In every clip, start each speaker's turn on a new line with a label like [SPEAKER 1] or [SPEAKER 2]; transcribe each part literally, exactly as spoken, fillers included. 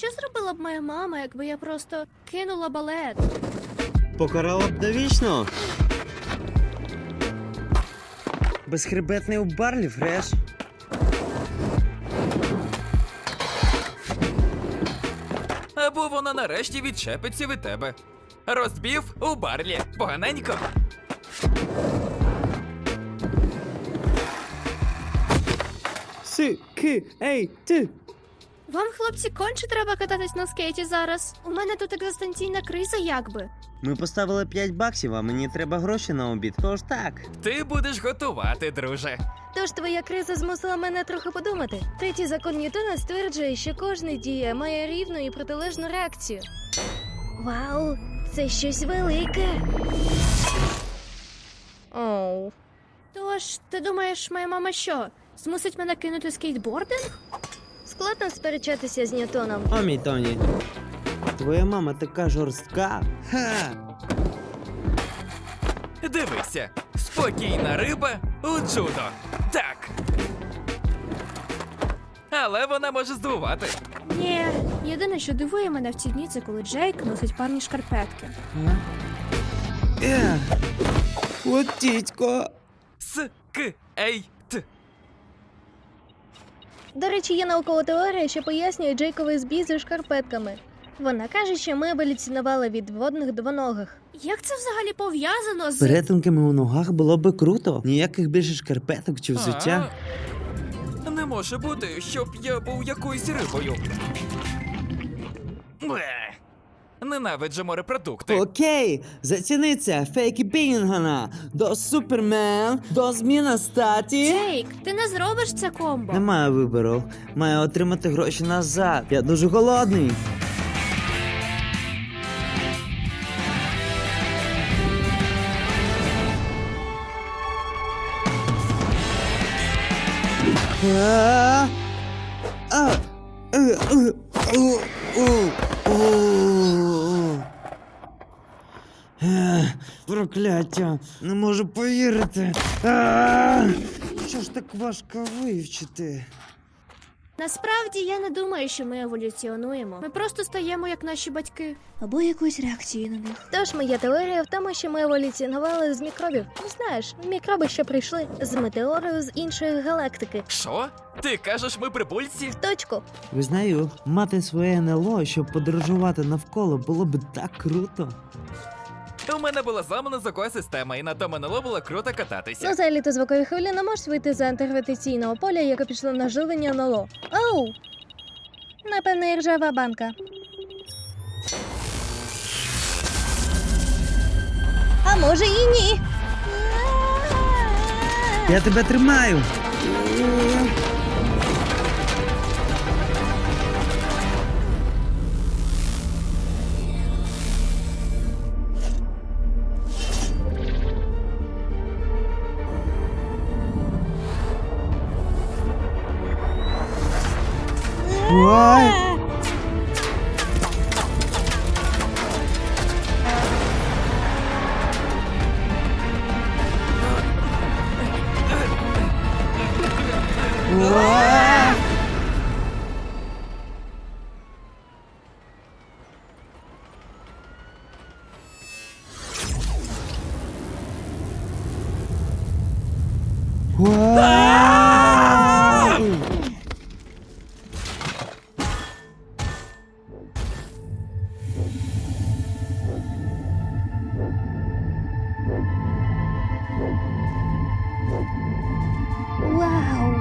[SPEAKER 1] що зробила б моя мама, якби я просто кинула балет?
[SPEAKER 2] Покарала б довічно. Безхребетний у барлі, Фреш.
[SPEAKER 3] Або вона нарешті відчепиться від тебе. Розбів у барлі. Поганенько.
[SPEAKER 2] Си, ки, ей, ти.
[SPEAKER 1] Вам, хлопці, конче треба кататись на скейті зараз. У мене тут екзистенційна криза, якби.
[SPEAKER 2] Ми поставили п'ять баксів, а мені треба гроші на обід. Тож так.
[SPEAKER 3] Ти будеш готувати, друже.
[SPEAKER 4] Тож твоя криза змусила мене трохи подумати. Третій закон Ньютона стверджує, що кожна дія має рівну і протилежну реакцію. Вау, це щось велике. Оу.
[SPEAKER 1] Тож, ти думаєш, моя мама що? Змусить мене кинути скейтбординг?
[SPEAKER 4] Складно сперечатися з Ньютоном.
[SPEAKER 2] О, мій Тоні. Твоя мама така жорстка. Ха!
[SPEAKER 3] Дивися. Спокійна риба у джудо. Так. Але вона може здивувати.
[SPEAKER 1] Ні, єдине, що дивує мене в ці дні, це коли Джейк носить парні шкарпетки.
[SPEAKER 2] Е, от тітько.
[SPEAKER 3] С, К, Ей, Т.
[SPEAKER 4] До речі, є наукова теорія, що пояснює Джейковий збій зі шкарпетками. Вона каже, що ми еволюціонували від водних двоногих.
[SPEAKER 1] Як це взагалі пов'язано з...
[SPEAKER 2] Перетинками у ногах було би круто. Ніяких більше шкарпеток чи взуття.
[SPEAKER 3] А, не може бути, щоб я був якоюсь рибою. Бле. Ненавиджу морепродукти.
[SPEAKER 2] Окей, заціни це, фейки Бінгана. До Супермен, до зміна статі.
[SPEAKER 1] Джейк, ти не зробиш це комбо.
[SPEAKER 2] Немає вибору. Маю отримати гроші назад. Я дуже голодний. А, а, е, е, у, у, у. Е, Прокляття, не можу повірити. А, Що ж так важко вивчити?
[SPEAKER 1] Насправді, я не думаю, що ми еволюціонуємо. Ми просто стаємо як наші батьки.
[SPEAKER 4] Або якоюсь реакцією на них. Тож моя теорія в тому, що ми еволюціонували з мікробів. Знаєш, мікроби, що прийшли з метеорою з іншої галактики.
[SPEAKER 3] Що? Ти кажеш, ми прибульці?
[SPEAKER 4] В точку.
[SPEAKER 2] Визнаю, мати своє ен ел о, щоб подорожувати навколо, було б так круто.
[SPEAKER 3] У мене була зламана звукова система, і на тому НЛО було круто кататися.
[SPEAKER 4] Ну, за еліту звукової хвилі не можеш вийти за антигравітаційного поля, яке пішло на живлення ен ел о. Оу! Напевне, і ржава банка. А може і ні.
[SPEAKER 2] Я тебе тримаю. Ой. Ой. Ой.
[SPEAKER 4] Вау!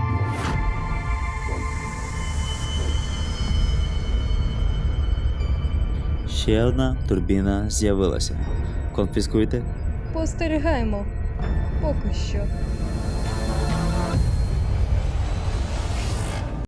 [SPEAKER 2] Ще одна турбіна з'явилася. Конфіскуйте.
[SPEAKER 4] Постерігаємо. Поки що.